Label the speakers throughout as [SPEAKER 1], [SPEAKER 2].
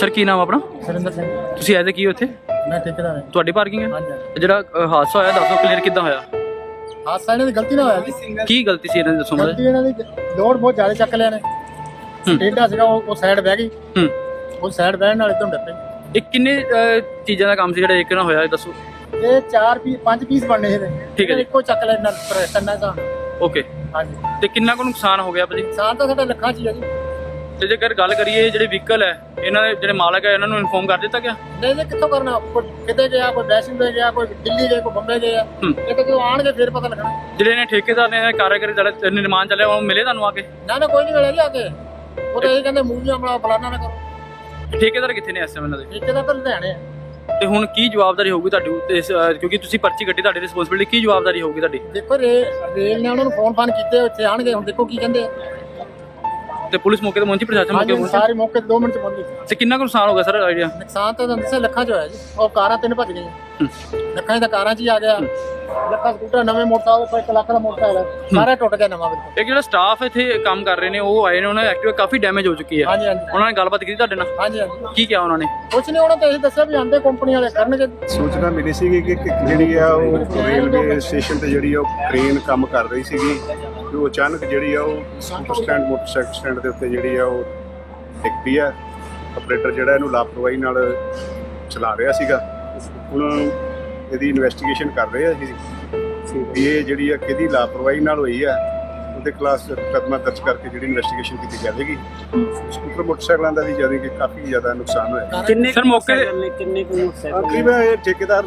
[SPEAKER 1] Sir ਕੀ ਨਾਮ ਆਪਣਾ?
[SPEAKER 2] ਸੁਰਿੰਦਰ ਸਿੰਘ।
[SPEAKER 1] ਤੁਸੀਂ ਆਏ ਤੇ ਕੀ ਉੱਥੇ?
[SPEAKER 2] ਮੈਂ ਠੇਕੇਦਾਰ ਹਾਂ।
[SPEAKER 1] ਤੁਹਾਡੀ ਪਾਰਕਿੰਗ ਹੈ?
[SPEAKER 2] ਹਾਂਜੀ।
[SPEAKER 1] ਜਿਹੜਾ ਹਾਦਸਾ ਹੋਇਆ ਦੱਸੋ ਕਲੀਅਰ ਕਿੱਦਾਂ ਹੋਇਆ?
[SPEAKER 2] ਹਾਦਸਾ ਇਹਨਾਂ ਦੀ ਗਲਤੀ ਨਾਲ ਹੋਇਆ ਜੀ।
[SPEAKER 1] ਕੀ ਗਲਤੀ ਸੀ ਇਹਨਾਂ ਦੀ ਦੱਸੋ
[SPEAKER 2] ਗਲਤੀ
[SPEAKER 1] ਮੈਨੂੰ।
[SPEAKER 2] ਇਹਨਾਂ ਦੀ ਲੋਡ ਬਹੁਤ ਜ਼ਿਆਦਾ ਚੱਕ ਲਿਆ ਨੇ। ਟੇਢਾ ਸੀਗਾ ਉਹ ਸਾਈਡ ਬਹਿ ਗਈ। ਉਹ ਸਾਈਡ ਬਹਿਣ ਨਾਲ ਇਧਰੋਂ ਡੱਪੇ।
[SPEAKER 1] ਇਹ ਕਿੰਨੇ ਚੀਜ਼ਾਂ ਦਾ ਕੰਮ ਸੀ ਜਿਹੜਾ ਇੱਕ ਨਾਲ ਹੋਇਆ ਇਹ ਦੱਸੋ?
[SPEAKER 2] ਇਹ 5 ਪੀਸ ਬਣਨੇ ਇਹਦੇ।
[SPEAKER 1] ਠੀਕ ਹੈ ਜੀ।
[SPEAKER 2] ਇੱਕੋ ਚੱਕ ਲਿਆ ਟੰਨਾ ਦਾ।
[SPEAKER 1] ਓਕੇ।
[SPEAKER 2] ਹਾਂਜੀ।
[SPEAKER 1] ਤੇ ਕਿੰਨਾ ਕੁ ਨੁਕਸਾਨ ਹੋ ਗਿਆ ਭਾਜੀ?
[SPEAKER 2] ਨੁਕਸਾਨ ਤਾਂ ਸਾਡਾ ਲੱਖਾਂ 'ਚ ਹੀ ਆ ਜੀ।
[SPEAKER 1] ਤੇ ਜੇਕਰ ਗੱਲ ਕਰੀਏ ਜਿਹੜੇ ਵਹੀਕਲ ਹੈ ਇਹਨਾਂ ਦੇ ਜਿਹੜੇ ਮਾਲਕ ਹੈ ਇਹਨਾਂ ਨੂੰ ਇਨਫੋਰਮ ਕਰ ਦਿੱਤਾ ਗਿਆ?
[SPEAKER 2] ਨਹੀਂ ਕਿੱਥੋਂ ਕਰਨਾ? ਕੋਈ ਕਿਤੇ ਗਿਆ, ਕੋਈ ਵੈਸ਼ਨੋ ਦੇ ਗਿਆ, ਕੋਈ ਦਿੱਲੀ ਗਿਆ, ਕੋਈ ਬੰਬੇ ਗਿਆ। ਇਹ ਤਾਂ ਜਦੋਂ ਆਣਗੇ ਫਿਰ ਪਤਾ ਲੱਗਣਾ।
[SPEAKER 1] ਜਿਹੜੇ ਇਹਨੇ ਠੇਕੇਦਾਰ ਨੇ ਕਾਰੀਗਰੀ ਜਿਹੜਾ ਨਿਰਮਾਣ ਚੱਲਿਆ ਉਹ ਮਿਲੇ ਤੁਹਾਨੂੰ ਆ ਕੇ?
[SPEAKER 2] ਨਾ ਕੋਈ ਨਹੀਂ ਮਿਲਿਆ ਜੀ ਆ ਕੇ। ਉਹ ਤਾਂ ਇਹ ਕਹਿੰਦੇ ਮੂਵੀਆਂ ਬਣਾ ਫਲਾਣਾ ਨਾ ਕਰੋ।
[SPEAKER 1] ਠੇਕੇਦਾਰ ਕਿੱਥੇ ਨੇ ਇਸ ਸਮੇਂ ਇਹਨਾਂ ਦੇ?
[SPEAKER 2] ਠੇਕੇਦਾਰ ਤਾਂ ਲੁਧਿਆਣੇ ਆ।
[SPEAKER 1] ਤੇ ਹੁਣ ਕੀ ਜਵਾਬਦਾਰੀ ਹੋਊਗੀ ਤੁਹਾਡੀ ਕਿਉਂਕਿ ਤੁਸੀਂ ਪਰਚੀ ਕੱਟੀ, ਤੁਹਾਡੀ ਰਿਸਪੌਂਸਿਬਿਲਿਟੀ ਕੀ ਜਵਾਬਦਾਰੀ ਹੋਊਗੀ ਤੁਹਾਡੀ?
[SPEAKER 2] ਦੇਖੋ ਰੇਲ ਨੇ ਉਹਨਾਂ ਨੂੰ ਫੋਨ ਕੀਤੇ, ਉੱਥੇ ਆਣਗੇ। ਹੁਣ ਦੇਖੋ ਕੀ ਕਹਿੰਦੇ ਆ।
[SPEAKER 1] ਤੇ ਪੁਲਿਸ ਮੌਕੇ ਤੇ ਪਹੁੰਚੀ, ਪ੍ਰਸ਼ਾਸਨ ਮੌਕੇ ਪਹੁੰਚੀ?
[SPEAKER 2] ਸਾਰੇ ਮੌਕੇ 2 ਮਿੰਟ 'ਚ ਪਹੁੰਚ ਗਏ।
[SPEAKER 1] ਤੇ ਕਿੰਨਾ ਕੁ ਨੁਕਸਾਨ ਹੋ ਗਿਆ ਸਰ ਆਈਡੀਆ?
[SPEAKER 2] ਨੁਕਸਾਨ ਤਾਂ ਦੱਸਿਆ ਲੱਖਾਂ 'ਚ ਹੋਇਆ ਜੀ। ਉਹ ਕਾਰਾਂ 3 ਭੱਜ ਗਈਆਂ। ਲੱਖਾਂ 'ਚ ਤਾਂ ਕਾਰਾਂ 'ਚ ਹੀ ਆ ਗਿਆ। ਲੱਖਾਂ ਸਕੂਟਰ ਨਵੇਂ ਮੋਟਰਸਾਈਕਲ 1 ਲੱਖ ਦਾ ਮੋਟਰਸਾਈਕਲ ਸਾਰਾ ਟੁੱਟ ਗਿਆ ਨਵਾਂ ਬਿਲਕੁਲ।
[SPEAKER 1] ਇਹ ਜਿਹੜਾ ਸਟਾਫ ਇੱਥੇ ਕੰਮ ਕਰ ਰਹੇ ਨੇ ਉਹ ਆਏ ਨੇ, ਉਹਨਾਂ ਦੀ ਐਕਟਿਵਾ ਕਾਫੀ ਡੈਮੇਜ ਹੋ ਚੁੱਕੀ ਹੈ।
[SPEAKER 2] ਹਾਂਜੀ।
[SPEAKER 1] ਉਹਨਾਂ ਨੇ ਗੱਲਬਾਤ ਕੀਤੀ ਤੁਹਾਡੇ ਨਾਲ?
[SPEAKER 2] ਹਾਂਜੀ।
[SPEAKER 1] ਕੀ ਕਿਹਾ ਉਹਨਾਂ ਨੇ?
[SPEAKER 2] ਕੁਛ ਨਹੀਂ, ਉਹਨਾਂ ਤਾਂ ਇਹ ਦੱਸਿਆ ਵੀ ਆਂਦੇ ਕੰਪਨੀ ਵਾਲੇ ਕਰਨਗੇ।
[SPEAKER 3] ਸੂਚਨਾ ਮਿਲੀ ਸੀਗੀ ਕਿ ਜਿਹੜੀ ਆ ਉਹ ਰੇਲਵੇ ਸਟੇਸ਼ਨ ਤੇ ਜਿਹੜੀ ਆ ਉਹ ਕ੍ਰੇਨ ਕੰਮ ਕਰ ਰਹੀ ਸੀਗੀ ਤੇ ਉਹ ਅਚਾਨਕ ਜਿਹੜੀ ਆ ਉਹ ਸਕੂਟਰ ਸਟੈਂਡ, ਮੋਟਰਸਾਈਕਲ ਸਟੈਂਡ ਦੇ ਉੱਤੇ ਜਿਹੜੀ ਆ ਉਹ ਡਿੱਗ ਪਈ ਆ। ਆਪਰੇਟਰ ਜਿਹੜਾ ਇਹਨੂੰ ਲਾਪਰਵਾਹੀ ਨਾਲ ਚਲਾ ਰਿਹਾ ਸੀਗਾ। ਹੁਣ ਇਹਦੀ ਇਨਵੈਸਟੀਗੇਸ਼ਨ ਕਰ ਰਹੇ ਆ ਜੀ ਵੀ ਇਹ ਜਿਹੜੀ ਆ ਕਿਹਦੀ ਲਾਪਰਵਾਹੀ ਨਾਲ ਹੋਈ ਆ। ਉਹਦੇ ਖਿਲਾਫ ਮੁਕੱਦਮਾ ਦਰਜ ਕਰਕੇ ਜਿਹੜੀ ਇਨਵੈਸਟੀਗੇਸ਼ਨ ਕੀਤੀ ਜਾਵੇਗੀ। ਸਕੂਟਰ ਮੋਟਰਸਾਈਕਲਾਂ ਦਾ ਵੀ ਜਾਨੀ ਕਿ ਕਾਫੀ ਜ਼ਿਆਦਾ ਨੁਕਸਾਨ ਹੋਇਆ।
[SPEAKER 1] ਕਿੰਨੇ ਸਰ ਮੌਕੇ
[SPEAKER 3] ਤਕਰੀਬਨ ਇਹ ਠੇਕੇਦਾਰ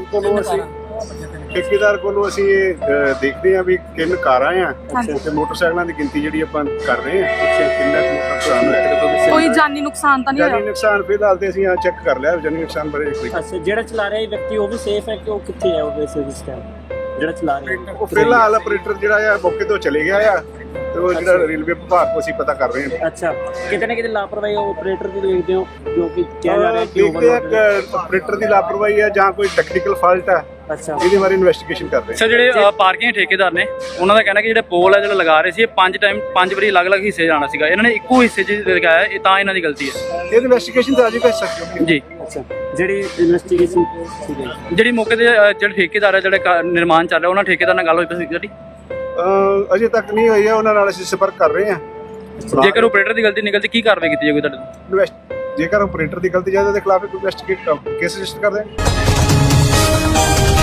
[SPEAKER 3] ਕੋਲੋਂ ਅਸੀਂ ਇਹ ਦੇਖਦੇ ਆ ਵੀ ਕਿੰਨ ਕਾਰਾਂ ਆ ਤੇ ਮੋਟਰਸਾਈਕਲਾਂ ਦੀ ਗਿਣਤੀ ਜਿਹੜੀ ਆਪਾਂ ਕਰ ਰਹੇ ਆ ਕਿੰਨਾ ਨੁਕਸਾਨ ਹੋਇਆ।
[SPEAKER 4] ਕੋਈ ਜਾਨੀ ਨੁਕਸਾਨ ਤਾਂ ਨਹੀਂ
[SPEAKER 3] ਜਾਨੀ
[SPEAKER 4] ਹੋਇਆ?
[SPEAKER 3] ਨੁਕਸਾਨ ਫਿਲਹਾਲ ਤੇ ਅਸੀਂ ਆ ਚੈੱਕ ਕਰ ਲਿਆ। ਜਾਨੀ ਨੁਕਸਾਨ ਬਾਰੇ ਕੋਈ
[SPEAKER 5] ਅੱਛਾ, ਜਿਹੜਾ ਚਲਾ ਰਿਹਾ ਵਿਅਕਤੀ ਉਹ ਵੀ ਸੇਫ ਹੈ ਕਿ ਉਹ ਕਿੱਥੇ ਹੈ? ਉਹ ਵੈਸੇ ਇਸ ਟਾਈਮ ਜਿਹੜਾ ਚਲਾ ਰਿਹਾ
[SPEAKER 3] ਉਹ ਫਿਲਹਾਲ ਆਪਰੇਟਰ ਜਿਹੜਾ ਆ ਮੌਕੇ ਤੋਂ ਚਲੇ ਗਿਆ ਆ ਤੇ ਉਹ ਜਿਹੜਾ ਰੇਲਵੇ ਵਿਭਾਗ ਤੋਂ ਅਸੀਂ ਪਤਾ ਕਰ ਰਹੇ ਹਾਂ।
[SPEAKER 5] ਅੱਛਾ, ਕਿਤੇ ਨਾ ਕਿਤੇ ਲਾਪਰਵਾਹੀ ਆਪਰੇਟਰ ਦੀ ਦੇਖਦੇ ਹੋ ਜੋ ਕਿ ਕਿਹਾ ਜਾ ਰਿਹਾ ਕਿ
[SPEAKER 3] ਦੇਖਦੇ ਆ ਕਿ ਆਪਰੇਟਰ ਦੀ ਲਾਪਰਵਾਹੀ ਹੈ ਜਾਂ ਕੋਈ ਟੈਕਨੀਕਲ ਫਾਲਟ ਹੈ।
[SPEAKER 5] ਅੱਛਾ,
[SPEAKER 3] ਇਹਦੇ ਬਾਰੇ ਇਨਵੈਸਟੀਗੇਸ਼ਨ ਕਰ ਰਹੇ
[SPEAKER 1] ਸਰ ਜਿਹੜੇ ਪਾਰਕਿੰਗ ਠੇਕੇਦਾਰ ਨੇ ਉਹਨਾਂ ਦਾ ਕਹਿਣਾ ਕਿ ਜਿਹੜੇ ਪੋਲ ਹੈ ਜਿਹੜਾ ਲਗਾ ਰਹੇ ਸੀ ਇਹ 5 ਵਾਰੀ ਅਲੱਗ-ਅਲੱਗ ਹਿੱਸੇ ਜਾਣਾ ਸੀਗਾ, ਇਹਨਾਂ ਨੇ ਇੱਕੋ ਹਿੱਸੇ 'ਚ ਲਗਾਇਆ, ਇਹ ਤਾਂ ਇਹਨਾਂ ਦੀ ਗਲਤੀ ਹੈ।
[SPEAKER 3] ਇਹ ਇਨਵੈਸਟੀਗੇਸ਼ਨ ਤੇ ਅਜੇ ਤੱਕ
[SPEAKER 1] ਜੀ।
[SPEAKER 5] ਅੱਛਾ, ਜਿਹੜੀ ਇਨਵੈਸਟੀਗੇਸ਼ਨ
[SPEAKER 1] ਜਿਹੜੀ ਮੌਕੇ ਤੇ ਜਿਹੜੇ ਠੇਕੇਦਾਰ ਹੈ ਜਿਹੜੇ ਨਿਰਮਾਣ ਚੱਲ ਰਿਹਾ ਉਹਨਾਂ ਠੇਕੇਦਾਰ ਨਾਲ ਗੱਲ ਹੋਈ ਸੀ ਜਿਹੜੀ?
[SPEAKER 3] ਅਜੇ ਤੱਕ ਨਹੀਂ ਹੋਈ ਹੈ। ਉਹਨਾਂ ਨਾਲ ਅਸੀਂ ਸੰਪਰਕ ਕਰ ਰਹੇ ਹਾਂ।
[SPEAKER 1] ਜੇਕਰ ਆਪਰੇਟਰ ਦੀ ਗਲਤੀ ਨਿਕਲਦੀ ਕੀ ਕਾਰਵਾਈ ਕੀਤੀ ਜਾਊਗੀ ਤੁਹਾਡੇ ਤੋਂ?
[SPEAKER 3] ਜੇਕਰ ਆਪਰੇਟਰ ਦੀ ਗਲਤੀ ਜ਼ਿਆਦਾ ਦੇ ਖਿਲਾਫ ਇਨਵੈਸਟੀਗੇਟ ਕੇਸ ਰਜਿਸਟਰ ਕਰਦੇ ਹਾਂ।